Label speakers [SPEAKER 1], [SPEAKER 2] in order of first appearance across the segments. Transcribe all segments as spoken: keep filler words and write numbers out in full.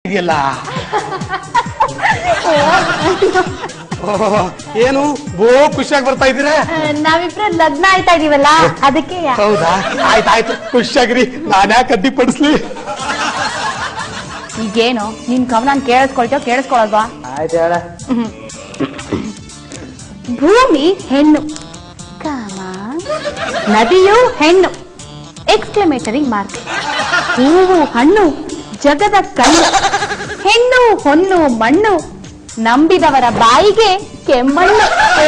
[SPEAKER 1] ಇದೆಯಲ್ಲ. ಏನು ಬೋ ಖುಷಿಯಾಗಿ ಬರ್ತಾ ಇದ್ದೀರಾ?
[SPEAKER 2] ನಾವಿಬ್ರು ಲಗ್ನ ಆಯ್ತಾ ಇದೀವಲ್ಲ ಅದಕ್ಕೆ.
[SPEAKER 1] ಹೌದಾ, ಆಯ್ತಾಯ್ತು, ಖುಷಿಯಾಗಿರಿ. ನಾನು ಯಾಕೆ ಅಡ್ಡಿ ಪಡಿಸ್ಲಿ?
[SPEAKER 2] ಈಗೇನು ನಿನ್ ಕವನ ಕೇಳಿಸ್ಕೊಳ್ತೇವ ಕೇಳಿಸ್ಕೊಳಲ್ವಾ?
[SPEAKER 1] ಆಯ್ತು ಹೇಳ.
[SPEAKER 2] ಭೂಮಿ ಹೆಣ್ಣು, ಕಾಮ ನದಿಯು ಹೆಣ್ಣು, ಎಕ್ಸ್ಕ್ಲಮೇಟರಿ ಮಾರ್ಕ್. ಹೂವು ಹಣ್ಣು, ಜಗದ ಕಣ್ಣು, ಹೆಣ್ಣು ಹೊನ್ನು ಮಣ್ಣು, ನಂಬಿದವರ ಬಾಯಿಗೆ ಕೆಮ್ಮಣ್ಣು.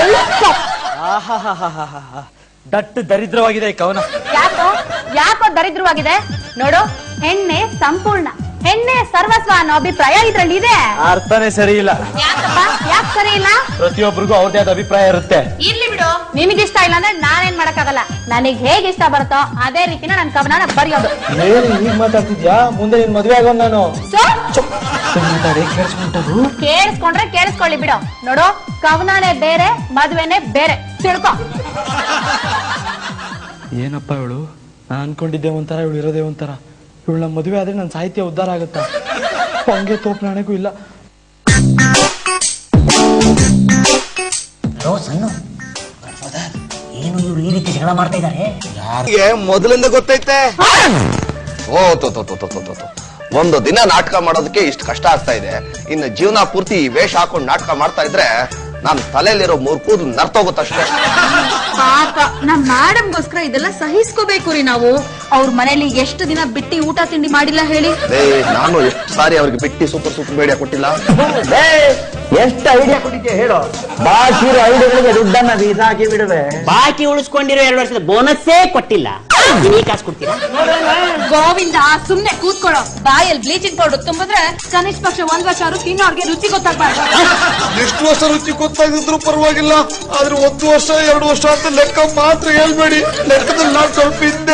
[SPEAKER 3] ದಟ್ಟು ದರಿದ್ರವಾಗಿದೆ ಈ ಕವನ.
[SPEAKER 2] ಯಾಕೋ ಯಾಕೋ ದರಿದ್ರವಾಗಿದೆ? ನೋಡು, ಹೆಣ್ಣೆ ಸಂಪೂರ್ಣ, ಹೆಣ್ಣೆ ಸರ್ವಸ್ವ ಅನ್ನೋ ಅಭಿಪ್ರಾಯ ಇದ್ರಲ್ಲಿ ಇದೆ.
[SPEAKER 3] ಅರ್ಥನೇ ಸರಿ ಇಲ್ಲ.
[SPEAKER 2] ಯಾಕಪ್ಪ, ಯಾಕೆ ಸರಿ ಇಲ್ಲ?
[SPEAKER 3] ಪ್ರತಿಯೊಬ್ಬರಿಗೂ ಅವ್ರದೇ ಆದ ಅಭಿಪ್ರಾಯ ಇರುತ್ತೆ.
[SPEAKER 2] ಇರ್ಲಿ ಬಿಡು, ನಿನಗಿಷ್ಟ ಇಲ್ಲ ಅಂದ್ರೆ ನಾನೇನ್ ಮಾಡಕ್ಕಾಗಲ್ಲ. ನನಗ್ ಹೇಗ್ ಇಷ್ಟ ಬರುತ್ತೋ ಅದೇ ರೀತಿನ ನನ್ ಕವನ ಬರೆಯೋದು.
[SPEAKER 3] ಈಗ ಮಾತಾಡ್ತಿದ್ಯಾ? ಮುಂದೆ ನಿನ್ ಮದ್ವೆ ಆಗೋ ನಾನು.
[SPEAKER 2] ಕೇಳಿಸ್ಕೊಂಡ್ರೆ ಕೇಳಿಸ್ಕೊಳ್ಳಿ ಬಿಡು. ನೋಡು, ಕವನಾನೇ ಬೇರೆ, ಮದ್ವೆನೆ ಬೇರೆ, ತಿಳ್ಕೊ.
[SPEAKER 3] ಏನಪ್ಪ ಇವಳು? ನಾನ್ ಅನ್ಕೊಂಡಿದ್ದೆ ಒಂಥರ, ಇವಳು ಇರೋದೇ ಒಂಥರ. ಇವಳು ನಮ್ಮ ಮದುವೆ ಆದ್ರೆ ನನ್ನ ಸಾಹಿತ್ಯ ಉದ್ಧಾರ ಆಗುತ್ತಾ? ಹಂಗೆ ತೋಪ್ ನಾಣೆಗೂ ಇಲ್ಲ.
[SPEAKER 4] ಏನು ಇವ್ರು ಈ ರೀತಿ ಜಗಳ ಮಾಡ್ತಾ ಇದ್ದಾರೆ?
[SPEAKER 5] ಯಾರಿಗೆ ಮೊದಲಿಂದ ಗೊತ್ತೈತೆ? ಓ ತೋ ತೋ ತೋ ತೋ ತೋ ಒಂದು ದಿನ ನಾಟಕ ಮಾಡೋದಕ್ಕೆ ಇಷ್ಟು ಕಷ್ಟ ಆಗ್ತಾ ಇದೆ, ಇನ್ನು ಜೀವನ ಪೂರ್ತಿ ವೇಷ ಹಾಕೊಂಡು ನಾಟಕ ಮಾಡ್ತಾ ಇದ್ರೆ ನಾನ್ ತಲೆಯಲ್ಲಿರೋ ಮೂರ್ ಕೂದು ನರ್ತೋಗುತ್ತಷ್ಟೇ.
[SPEAKER 2] ಪಾಪ ನಮ್ ಮೇಡಮ್ಗೋಸ್ಕರ ಇದೆಲ್ಲ ಸಹಿಸ್ಕೋಬೇಕು ರೀ ನಾವು. ಅವ್ರ ಮನೇಲಿ ಎಷ್ಟು ದಿನ ಬಿಟ್ಟಿ ಊಟ ತಿಂಡಿ ಮಾಡಿಲ್ಲ ಹೇಳಿ?
[SPEAKER 5] ನಾನು ಎಷ್ಟು ಸಾರಿ ಅವ್ರಿಗೆ ಬಿಟ್ಟಿ ಸೂಪರ್ ಸೂಪರ್ ಬೇಡಿಯ ಕೊಟ್ಟಿಲ್ಲ.
[SPEAKER 4] ಎಷ್ಟು ಐಡಿಯಾ ಕೊಟ್ಟಿದ್ದೆ ಹೇಳು. ಬಾಕಿ ಐಡಿಯಾಗಳಿಗೆ ದುಡ್ಡನ್ನ ಬೀಸಾಕಿ ಬಿಡುವೆ. ಬಾಕಿ ಉಳಿಸ್ಕೊಂಡಿರೋ ಎರಡು ವರ್ಷದ ಬೋನಸ್ಸೇ ಕೊಟ್ಟಿಲ್ಲ. ನೀ ಕಾಸು ಕೊಡ್ತೀರಾ?
[SPEAKER 2] ಗೋವಿಂದ, ಸುಮ್ನೆ ಕೂತ್ಕೊಳ್ಳೋ. ಬಾಯಲ್ಲಿ ಬ್ಲೀಚಿಂಗ್ ಪೌಡರ್ ತುಂಬಿದ್ರೆ ಕನಿಷ್ಠ ಪಕ್ಷ ಒಂದ್ ವರ್ಷ ಆದ್ರೂ ತಿನ್ನೋರ್ಗೆ ರುಚಿ ಗೊತ್ತಾಗ್ಬಾರ್ದು.
[SPEAKER 5] ಎಷ್ಟು ವರ್ಷ ರುಚಿ ಗೊತ್ತಾಗಿದ್ರು ಪರವಾಗಿಲ್ಲ, ಆದ್ರೆ ಒಂದು ವರ್ಷ ಎರಡು ವರ್ಷ ಅಂತ ಲೆಕ್ಕ ಮಾತ್ರ ಹೇಳ್ಬೇಡಿ. ಲೆಕ್ಕದಲ್ಲಿ ನಾನು ಸ್ವಲ್ಪ ಹಿಂದೆ.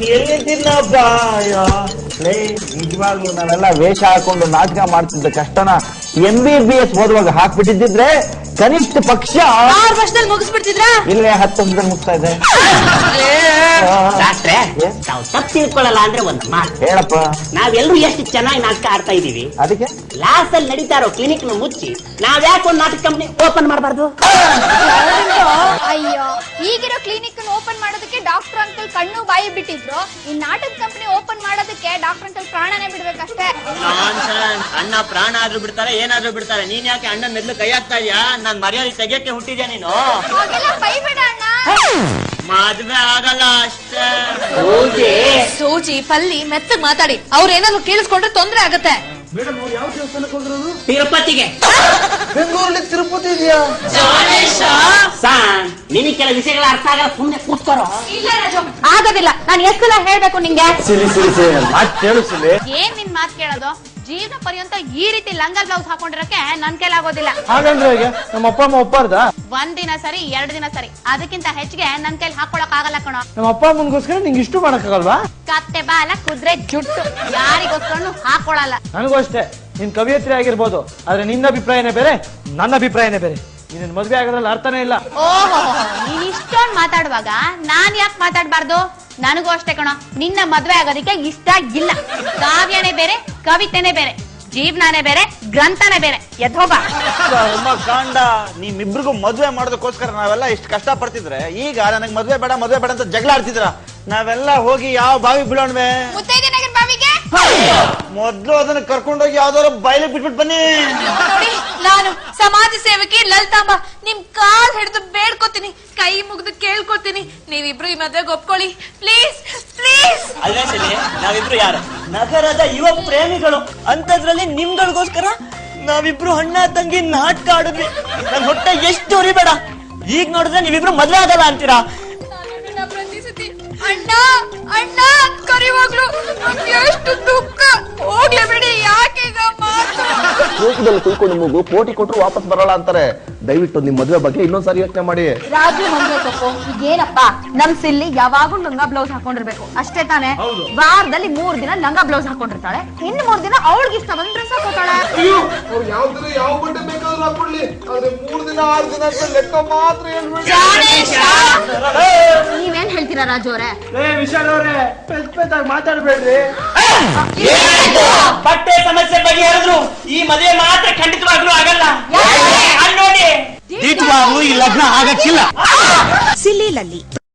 [SPEAKER 4] ನಿಜವಾಗ್ಲೂ ನಾವೆಲ್ಲ ವೇಷ ಹಾಕೊಂಡು ನಾಟಕ ಮಾಡ್ತಿದ್ದ ಕಷ್ಟನ ಎಂ ಬಿ ಬಿ ಎಸ್ ಓದುವಾಗ ಹಾಕ್ಬಿಟ್ಟಿದ್ರೆ ಕನಿಷ್ಠ ಪಕ್ಷ
[SPEAKER 2] ಆರು ವರ್ಷದಲ್ಲಿ ಮುಗಿಸ್ಬಿಡ್ತಿದ್ರ?
[SPEAKER 4] ಇಲ್ಲೇ ಹತ್ತು ವರ್ಷದಲ್ಲಿ ಮುಗಿಸ್ತಾ ಇದೆ. ಡಾಕ್ಟ್ರೆ, ನಾವು ತಪ್ಪು ತಿಳ್ಕೊಳ್ಳಲ್ಲ ಅಂದ್ರೆ ಒಂದು ಮಾತು ಹೇಳಪ್ಪ. ನಾವೆಲ್ಲರೂ ಎಷ್ಟು ಚೆನ್ನಾಗಿ ನಾಟಕ ಆಡ್ತಾ ಇದೀವಿ, ಅದಕ್ಕೆ ಲಾಸ್ ಅಲ್ಲಿ ನಡೀತಾ ಇರೋ ಕ್ಲಿನಿಕ್ ನ ಮುಚ್ಚಿ ನಾವ್ ಯಾಕೆ ಒಂದು ನಾಟಕ ಕಂಪ್ನಿ ಓಪನ್ ಮಾಡಬಾರ್ದು?
[SPEAKER 6] ಅಯ್ಯೋ, ಈಗಿರೋ ಕ್ಲಿನಿಕ್ ಓಪನ್ ಮಾಡೋದಕ್ಕೆ ಡಾಕ್ಟರ್ ಅಂಕಲ್ ಕಣ್ಣು ಬಾಯಿ ಬಿಟ್ಟಿದ್ರು. ಈ ನಾಟಕ ಕಂಪನಿ ಓಪನ್ ಮಾಡೋದಕ್ಕೆ ಡಾಕ್ಟರ್ ಅಂಕಲ್ ಪ್ರಾಣನೇ ಬಿಡ್ಬೇಕಷ್ಟೇ.
[SPEAKER 4] ಅಣ್ಣ ಪ್ರಾಣ ಆದ್ರೂ ಬಿಡ್ತಾರೆ, ಏನಾದ್ರೂ ಬಿಡ್ತಾರೆ. ನೀನ್ ಯಾಕೆ ಅಣ್ಣ ಮೆದ್ಲು ಕೈ ಹಾಕ್ತಾ ಇದೀಯಾ? ನಾನ್ ಮರ್ಯಾದೆ ತೆಗಿಯಕ್ಕೆ ಹುಟ್ಟಿದ್ಯಾ ನೀನು?
[SPEAKER 6] ಹಾಗೆಲ್ಲ ಬೈಬೇಡ ಅಣ್ಣ.
[SPEAKER 4] ಮದ್ವೆ ಆಗಲ್ಲ ಅಷ್ಟೇ.
[SPEAKER 2] ಸೂಜಿ ಪಲ್ಲಿ ಮೆತ್ತಗ್ ಮಾತಾಡಿ, ಅವ್ರ ಏನಾದ್ರು ಕೇಳಿಸ್ಕೊಂಡ್ರೆ ತೊಂದ್ರೆ ಆಗತ್ತೆ.
[SPEAKER 4] ತಿರುಪತಿಗೆ.
[SPEAKER 5] ಬೆಂಗಳೂರಲ್ಲಿ ತಿರುಪತಿ ಇದೆಯಾ?
[SPEAKER 4] ನಿನಗೆ ಕೆಲ ವಿಷಯಗಳ ಅರ್ಥ ಆಗಲ್ಲ, ಸುಮ್ನೆ ಕೂತ್ಕೊರೋ.
[SPEAKER 2] ಇಲ್ಲ ರಾಜು, ಆಗೋದಿಲ್ಲ. ನಾನು ಎಷ್ಟು ಸಲ ಹೇಳ್ಬೇಕು ನಿಂಗೆ? ಏನ್ ನಿನ್ ಮಾತ್ ಕೇಳೋದು? ಜೀವನ ಪರ್ಯಂತ ಈ ರೀತಿ ಲಂಗ ಬ್ಲೌಸ್ ಹಾಕೊಂಡಿರಕ್ಕೆ ನನ್ ಕೈಲಾಗೋದಿಲ್ಲ.
[SPEAKER 3] ಹಾಗಂದ್ರೆ ಹೇಗೆ? ನಮ್ಮ ಅಪ್ಪ ಅಮ್ಮ ಒಪ್ಪಾರ್ದ?
[SPEAKER 2] ಒಂದ್ ದಿನ ಸರಿ, ಎರಡ್ ದಿನ ಸರಿ, ಅದಕ್ಕಿಂತ ಹೆಚ್ಚಿಗೆ ನನ್ ಕೈಲಿ ಹಾಕೊಳಕ್ ಆಗಲ್ಲ ಕಣೋ.
[SPEAKER 3] ನಮ್ಮ ಅಪ್ಪ ಅಮ್ಮನ್ಗೋಸ್ಕರ ನಿಂಗೆ ಇಷ್ಟು ಮಾಡಕ್ಕಾಗಲ್ವಾ?
[SPEAKER 2] ಕತ್ತೆ ಬಾಲ ಕುದ್ರೆ ಜುಟ್ಟು ಯಾರಿಗೋಸ್ಕರ ಹಾಕೊಳಲ್ಲ.
[SPEAKER 3] ನನಗೂ ಅಷ್ಟೇ. ನಿನ್ ಕವಿಯತ್ರಿ ಆಗಿರ್ಬೋದು, ಆದ್ರೆ ನಿನ್ನ ಅಭಿಪ್ರಾಯನೇ ಬೇರೆ, ನನ್ನ ಅಭಿಪ್ರಾಯನೇ ಬೇರೆ. ನಿನ್ನ ಮದ್ವೆ ಆಗೋದ್ರಲ್ಲಿ ಅರ್ಥನೇ ಇಲ್ಲ.
[SPEAKER 2] ಓಹೋ, ನೀನ್ ಇಷ್ಟೊಂದ್ ಮಾತಾಡುವಾಗ ನಾನ್ ಯಾಕೆ ಮಾತಾಡ್ಬಾರ್ದು? ನನಗೂ ಅಷ್ಟೇ ಕಣೋ, ನಿನ್ನ ಮದ್ವೆ ಆಗೋದಕ್ಕೆ ಇಷ್ಟ ಇಲ್ಲ. ಕಾವ್ಯನೇ ಬೇರೆ, ಕವಿತೆನೇ ಬೇರೆ, ಜೀವನಾನೇ ಬೇರೆ, ಗ್ರಂಥನೇ ಬೇರೆ. ಎದ್ದೋಗ
[SPEAKER 7] ಕಾಂಡ. ನಿಮ್ಮಿಬ್ರಿಗೂ ಮದ್ವೆ ಮಾಡೋದಕ್ಕೋಸ್ಕರ ನಾವೆಲ್ಲ ಇಷ್ಟು ಕಷ್ಟ ಪಡ್ತಿದ್ರೆ, ಈಗ ನನಗ್ ಮದ್ವೆ ಬೇಡ ಮದ್ವೆ ಬೇಡ ಅಂತ ಜಗಳ ಆಡ್ತಿದ್ರ. ನಾವೆಲ್ಲ ಹೋಗಿ ಯಾವ ಬಾವಿ ಬೀಳೋಣ್ವೆ?
[SPEAKER 6] ಮುತ್ತೈದೆನಗರ ಬಾವಿಗೆ.
[SPEAKER 7] ಮೊದ್ಲು ಅದನ್ನ ಕರ್ಕೊಂಡೋಗಿ ಯಾವ್ದಾದ್ರು ಬಯಲಿಗೆ ಬಿಟ್ಬಿಟ್ಟು ಬನ್ನಿ.
[SPEAKER 2] ನೋಡಿ, ನಾನು ಸಮಾಜ ಸೇವಕಿ ಲಲಿತಾಂಬ, ನಿಮ್ ಕಾಲ್ ಹಿಡಿದು ಬೇಡ್ಕೋತೀನಿ, ಕೈ ಮುಗಿದು ಕೇಳ್ಕೊತೀನಿ, ನೀವಿಬ್ರು ಈ ಮದ್ವೆಗೆ ಒಪ್ಕೊಳ್ಳಿ ಪ್ಲೀಸ್ ಪ್ಲೀಸ್.
[SPEAKER 4] ಅಲ್ವೇ ಸಲಿ, ನಾವಿಬ್ರು ಯಾರು? ನಗರದ ಯುವ ಪ್ರೇಮಿಗಳು. ಅಂತದ್ರಲ್ಲಿ ನಿಮ್ಗಳಿಗೋಸ್ಕರ ನಾವಿಬ್ರು ಅಣ್ಣ ತಂಗಿ ನಾಟಕ ಆಡಿದ್ವಿ. ನನ್ ಹೊಟ್ಟೆ ಎಷ್ಟು ಉರಿಬೇಡ. ಈಗ ನೋಡಿದ್ರೆ ನೀವಿಬ್ರು ಮದ್ವೆ ಆಗಲ್ಲ ಅಂತೀರಾ?
[SPEAKER 6] ಪ್ರತಿ ಸತಿ ಅಣ್ಣ ಅಣ್ಣ ಕರಿವಾಗ್ಲು ಎಷ್ಟು ದುಃಖ. ಹೋಗ್ಲೇ ಬಿಡಿ, ಯಾಕೆ ಈಗ ಮಾತು?
[SPEAKER 5] ತೂಕದಲ್ಲಿ ಕುಯ್ಕೊಂಡು ಮೂಗು ಕೋಟಿ ಕೊಟ್ಟರು ವಾಪಸ್ ಬರಲ್ಲ ಅಂತಾರೆ. ದಯವಿಟ್ಟು ನಿಮ್ ಮದ್ವೆ ಬಗ್ಗೆ ಇನ್ನೊಂದ್ಸಾರಿ ಯೋಚನೆ ಮಾಡಿ.
[SPEAKER 2] ರಾಜು ಮದ್ವೆ ತಪ್ಪು. ಈಗೇನಪ್ಪ, ನಮ್ ಸಿಲ್ಲಿ ಯಾವಾಗೂ ಲಂಗ ಬ್ಲೌಸ್ ಹಾಕೊಂಡಿರ್ಬೇಕು ಅಷ್ಟೇ ತಾನೆ? ವಾರದಲ್ಲಿ ಮೂರ್ ದಿನ ಲಂಗ ಬ್ಲೌಸ್ ಹಾಕೊಂಡಿರ್ತಾಳೆ, ಇನ್ನು ಮೂರ್ ದಿನ ಅವಳಿಗೆ ಇಷ್ಟ ಬಂದ್ ಡ್ರೆಸ್ ಹಾಕೋತಾಳೆ.
[SPEAKER 5] ಯಾವ ದಿನ ಯಾವ ಬಟ್ಟೆ ಬೇಕಾದ್ರೂ ಹಾಕೊಳ್ಳಿ, ಆದ್ರೆ ಮೂರ್ ದಿನ ಆರು ದಿನ ಅಂತ ಲೆಕ್ಕ ಮಾತ್ರ ಹೇಳ್ಬೇಡಿ.
[SPEAKER 2] ನೀವೇನ್ ಹೇಳ್ತೀರಾ ರಾಜು ಅವರೇ?
[SPEAKER 3] ವಿಶಾಲ್ ಅವರೇ, ಪೆದ್ ಪೆದ್ದಾಗಿ ಮಾತಾಡ್ಬೇಡ್ರಿ.
[SPEAKER 4] ಬಟ್ಟೆ ಸಮಸ್ಯೆ ಬಗೆಹರಿದ್ರು ಈ ಮದುವೆ ಮಾತ್ರ ಖಂಡಿತವಾಗ್ಲೂ ಆಗಲ್ಲ. ಅಲ್ಲಿ ನೋಡಿ
[SPEAKER 1] ಈ ಲಗ್ನ ಆಗಕ್ಕಿಲ್ಲ.
[SPEAKER 8] ಸಿಲ್ಲಿಲಲ್ಲಿ